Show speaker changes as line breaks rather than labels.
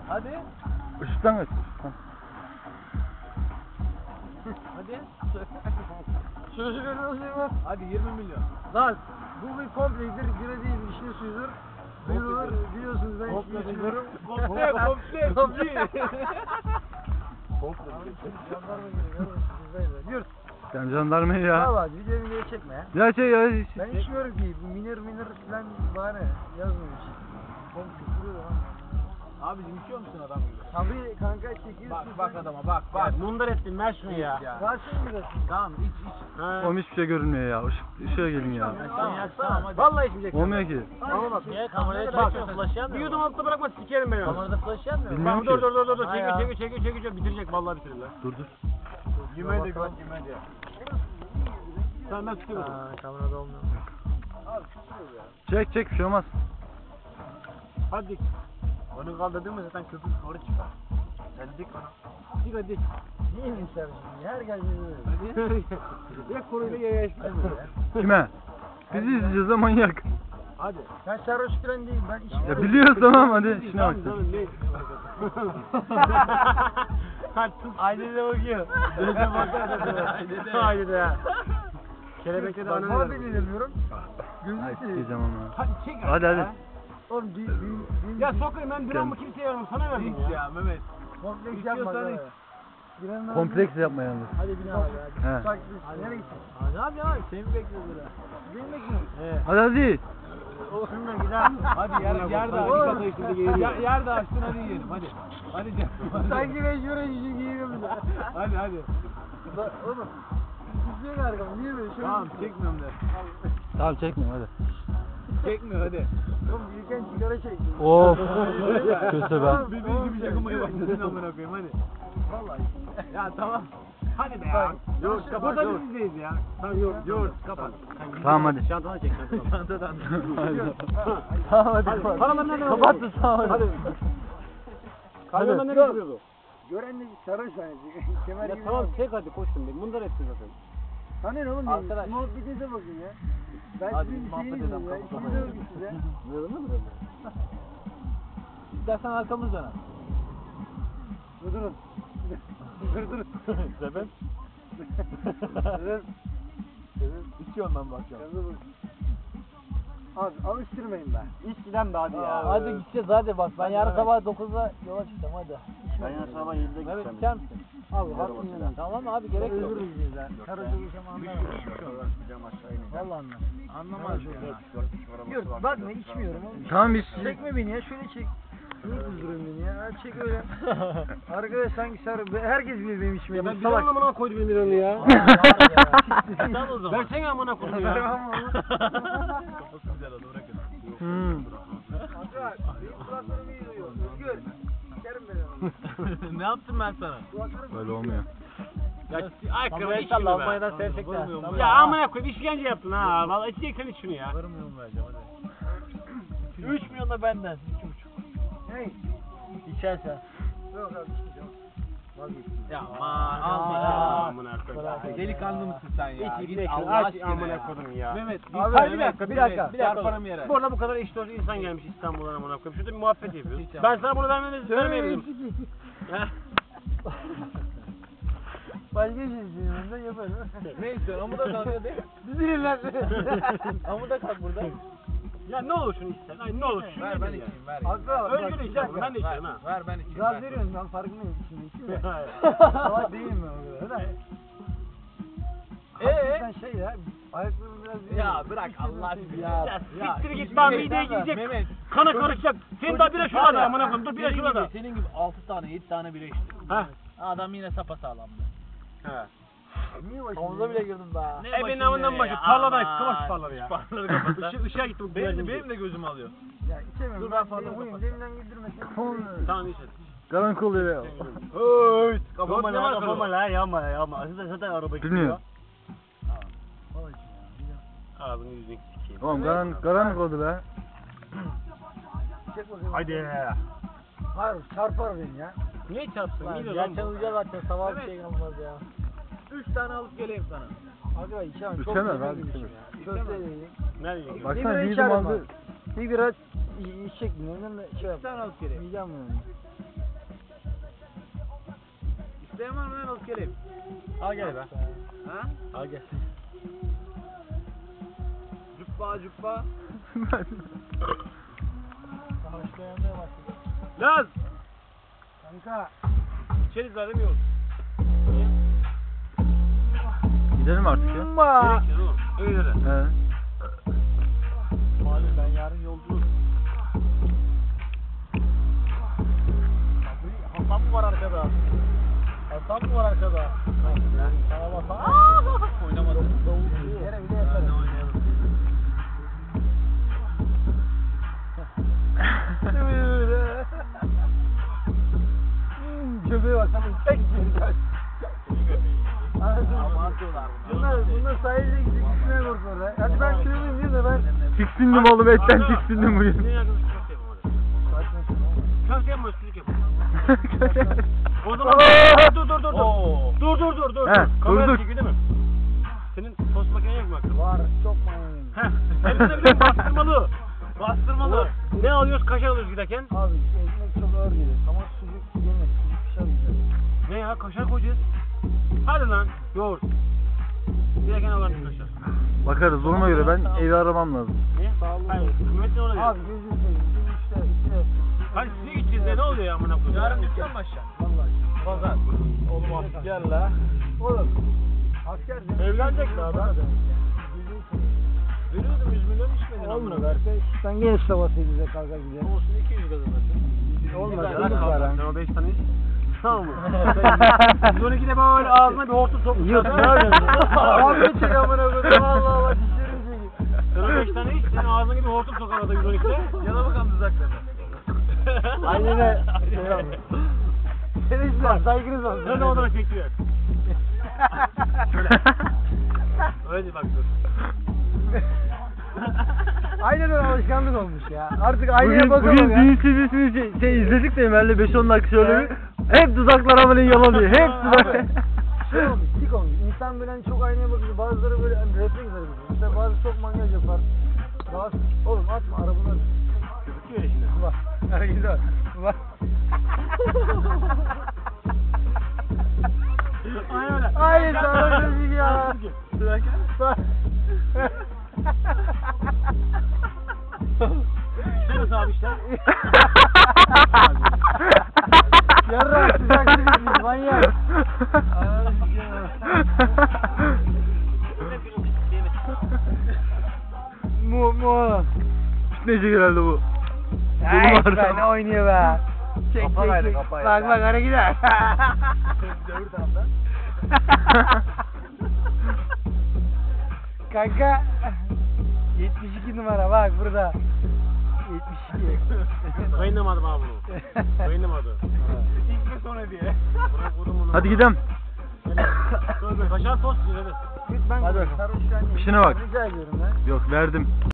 Hadi.
Işıktan kaç.
Hadi.
Şöyle
Hadi 20 milyon.
Lan bu bir komplektir, bira değil, vişne suyudur. Duyurulur, biliyorsunuz ben hiç içmiyorum.
Komple.
Jandarma geliyor, bizdeydi. Yürü.
Sen jandarmayı ya.
Valla videoyu çekme ya.
Ya şey ya.
Ben içmiyorum ki, bu minir falan bahane yazmamış. Oğlum küfür lan.
Abicim içiyor musun adam gibi?
Tabii kanka çekiyorsun.
Bak adama bak.
Mundar ettin ver şunu ya.
Varsın biraz.
Tamam iç.
Oğlum hiçbir şey görünmüyor ya. Işığa gelin ya.
Tamam hadi.
Vallahi içmeyecek.
Olmuyor ki.
Ama bak.
Niye kameraya çekiyorsun? Flash yanmıyor.
Bir yudum altta bırakma sikerim ben onu.
Kamerada flash yanmıyor.
Bilmiyorum
Dur
ki.
çekiyor. Bitirecek vallahi bitirir lan.
Dur.
Yemeğe de Tamam ben tutuyorum.
Kamerada olmuyor.
Çek bir şey olmaz.
Hadi. Onu kaldırdın mı zaten köpük doğru çıkar. Sen dik bana. Dik hadi.
Niye insan şimdi? Her geldiğinde
Ya koruyla yaya çıkmıyor.
Kime? Bizi izleyeceğiz de manyak.
Hadi.
Ben sarhoş falan değilim, ben içmiyorum.
Ya biliyoruz tamam hadi. Şuna bak.
Hadi tut. Aynı de bakıyor. Dönüşe bakıyor. Aynı de ya. Kelebekte de
Bak,
ananı
muhabbet
veriyor.
edemiyorum.
Ay
Gözü
sikeceğim onu.
Hadi çek.
Hadi.
Oğlum
Ya sokayım ben bir an mı kimseye yardım sana verdim ya. Mehmet.
kompleks yapma.
İstiyorsan
ya. Girenler-
Kompleks yapma yalnız.
Hadi bina abi hadi.
He.
Bak biz nereye gittik?
Ne yapacaksın abi? Seni mi bekliyoruz
Beni bekliyorum.
Hadi.
Olsun da gider.
Hadi yer de
Oğlum.
açtın şimdi geliyor. Yer de açtın hadi yiyelim hadi. Hadi canım.
Sanki mecbur edici giyiyorum da.
Hadi.
Bak oğlum. Gitmiyor ki arkam. Niye böyle? Şöyle
Tamam çekmiyorum de.
Tamam çekme hadi.
Çekmiyor hadi.
Oğlum yürürken sigara çektim.
Of. Kötü be.
Birbirinizi gibi çakılmaya başladın amına koyayım hadi.
Vallahi.
Ya tamam. Hadi be ya.
Yoğurt kapat,
Burada
yoğurt.
biz izleyiz ya. Tamam yoğurt kapat.
Tamam hadi.
Çantanı çek çantanı. Çantadan.
Tamam hadi.
Paralar nereden
Kapattın tamam hadi.
Kamyondan nereye gidiyordu?
Gören de sarhoş hani. Kemer
Ya
gibi.
tamam çek hadi koştum ben. Mundar etsin zaten.
Sana ne oğlum
Arkadaş.
benim? Muhabbetinize bakın ya. Ben
Hadi
sizin
muhabbet
şeyinizim
edelim,
ya.
kapat,
İşinize
kapat.
bakın size.
Böyle mi? İstersen arkamızdan al.
Durun. Durun.
Sebep?
Durun.
İçiyorum ben bakacağım.
Abi alıştırmayın be.
İç giden be hadi ya.
Hadi
gideceğiz hadi bak. Ben yarın sabah 9'da yola çıkacağım hadi. Ben yarın sabah 7'de
Evet
gideceğim.
içer misin?
Abi hakkını yemeyin.
Tamam abi gerek yok.
Özür dileriz ya. Sarhoş olacağım anlamam. Valla anlamam.
Anlamaz ya.
Yurt bakma içmiyorum oğlum.
Tamam biz.
Çekme beni ya şöyle çek. Niye kızdırıyorsun beni ya? Hadi çek öyle. Arkadaş sanki sarı. Herkes bilir benim içmediğimi.
Ben bir amına koydum 1 milyonu ya.
Sen o zaman.
Versene amına koydum ya.
Tamam oğlum.
Kafası güzel oldu bırakın.
Kanka benim kulaklarım iyi duyuyor. Özgür. Sikerim ben onu.
Ne yaptım ben sana?
Kulaklarım
Böyle olmuyor.
Ya ay
Tamam,
kırmızı
inşallah
içme be.
Almanya'dan sevecekler. Tamam.
Ya amına koyayım işkence yaptın ha. Vallahi içeceksen iç şunu ya.
Varım yok vereceğim hadi. 3 milyon da benden. 2,5.
Hey.
İçersen.
Yok abi içmeyeceğim. Vazgeçtim.
Ya aman alma ya amına koyayım.
Delikanlı mısın sen ya?
İç
Git
bir
Allah
aç
aşkına
amına
ya.
koydum ya.
Mehmet
Abi
Hayır,
bir dakika.
Çarparım yere.
Bu arada bu kadar eşit olsun insan gelmiş İstanbul'dan amına koyayım. Şurada bir muhabbet yapıyoruz. Ben sana bunu vermeyelim.
Başka şey istiyorum ben yaparım.
Ne istiyorsun? Amuda kalk hadi.
Düzülün lan.
Amuda kalk burada.
Ya ne olur şunu içsen. Ay ne olur şunu
Ver ben
ya.
içeyim ver.
Hatta
Özgür içeceğim ben de içeceğim ha.
Ver ben içeyim.
Gaz
ver.
veriyorsun ben farkındayım şimdi içinde. Salak değilim ben o kadar da. Hakikaten şey ya. Ayaklarım biraz
Ya bırak Allah aşkına.
Ya siktir git ben mideye gidecek.
Mehmet.
Kana karışacak. Senin daha bira şurada amına koyayım. Dur bira
Senin
şurada.
gibi, senin gibi 6 tane 7 tane bira içtim.
Ha.
Adam yine sapasağlamdı.
He.
Niye başım?
Havuza bile girdim daha.
E benim amından başı tarladayız. Kıvaç tarladı ya.
Parladı kapattı.
Işığa gitti bu
Benim de gözüm alıyor.
Ya içemiyorum.
Dur ben fazla
Benim huyum
kapatacağım.
deminden güldürmesin.
Tamam iç hadi.
Karanlık oluyor ya.
Oy.
Kafama la yapma. Zaten araba
Bilmiyorum.
Ağzını yüzünü sikeyim.
Oğlum karanlık oldu be.
Çek bakayım.
Haydi.
Hayır çarpar beni ya.
Niye çarpsın?
Lan
Niye
gerçekten
lan?
uyuyacağız zaten sabah bir şey kalmaz ya. 3 tane alıp geleyim sana.
Aga içemem. Çok
İçemez
yemek
abi,
yemişim
içemez.
ya. Köfte yedim.
Nereye gidiyorsun?
Baksana
bira
bir
içerim
aldı.
Bir bira içecektim. Ondan da şey yap.
tane alıp geleyim.
Yiyeceğim yani.
İsteyen var mı lan alıp geleyim? Al gel be. Ha? Al gel. Cuppa cuppa.
Başlayamaya başladı.
Laz!
Kanka.
İçeriz var demiyor.
Gidelim artık ya.
Gerekir oğlum. Öyle de.
He.
Malum ben yarın yolculuk. Hasan mı var arkada? Hasan mı var arkada? Tamam Hasan. Oynamadım. Yere bile yatarım.
Köpeğe bak tamam. Tek bir kaç.
Abartıyorlar
Bunlar sahilde gidecek üstüne korkuyorlar. Hadi ben sürüyeyim diyor da ben.
Tiksindim oğlum etten tiksindim bugün.
Ne yakınız köfte yapalım hadi. Köfte yapma üstünlük yapalım. O zaman dur. Dur.
He,
Kamera
durduk.
çekiyor değil mi? Senin tost makinen yok mu aklında?
Var çok manyak.
Heh. Hepsine bir de bastırmalı. Bastırmalı. Ne alıyoruz? Kaşar alıyoruz giderken.
Abi ekmek çok ağır gelir. Ama sucuk yemez. Sucuk pişer güzel.
Ne ya? Kaşar koyacağız. Hadi lan. Yoğurt. Giderken alalım kaşar.
Bakarız duruma göre ben evi aramam lazım.
Ne? Hayır. Kıymetli ona göre.
Abi gözünü seveyim. Bizim işte.
Hadi size gideceğiz ya. Ne oluyor ya amına koyayım?
Yarın dükkan başlar.
Vallahi.
Pazar.
Oğlum asker la.
Oğlum. Asker de.
Evlenecek mi adam?
Gözünü seveyim.
Veriyordum 100 milyon içmedin
Olma
amına.
verse sen gene sabahsı bize kalkar gider.
Olsun 200 kazanırsın.
Olmaz.
Yalan
Olmaz
kaldı.
var
Sen o 5 tane iç. Tamam mı?
Sen-
112'de böyle ağzına bir hortum sokmuş.
Yok ne yapıyorsun? Abi çek amına koyayım. Allah Allah dişlerim çekiyor.
Sen o 5 tane iç. Senin ağzına gibi hortum sokar arada 112'de. Yana bakalım dudaklarına.
Aynen öyle. Senin işte saygınız olsun.
Sen de odana çekiyor. Öyle bak dur.
Aynen öyle alışkanlık olmuş ya. Artık aynaya
Bugün
bakalım ya.
düğün CD'sini şey izledik de Emel'le 5-10 dakika şöyle bir. Hep dudaklar amına yalanıyor. Hep dudak.
Şey olmuş, tik olmuş. İnsan böyle hani çok aynaya bakıyor. Bazıları böyle hani refleks yapıyor. Mesela bazı çok mangal yapar. Rahatsız. Oğlum atma arabanı.
Gözüküyor ya şimdi.
Bak. Hareketi bak. Bak.
Aynen öyle.
Aynen sana çocuk ya. Bak.
Sen nasıl abi işte?
Yarrak sıcak sıcak manyak. Mu.
Fitneci herhalde bu.
Ay
Benim
be ne oynuyor be. Çek
Kafa
çek
verdi,
çek.
kafa
Bak
verdi.
bak ara gider.
Öbür taraftan.
Kanka 72 numara bak burada. 72.
Kayınlamadım abi bunu. Kayınlamadı.
İlk ve sonra diye.
Bırak vurdum bunu.
Hadi gidelim.
Kaşar tost yiyor hadi.
Ben
Hadi bakalım.
sarhoş yani.
İşine bak.
Rica ediyorum ben.
Yok verdim.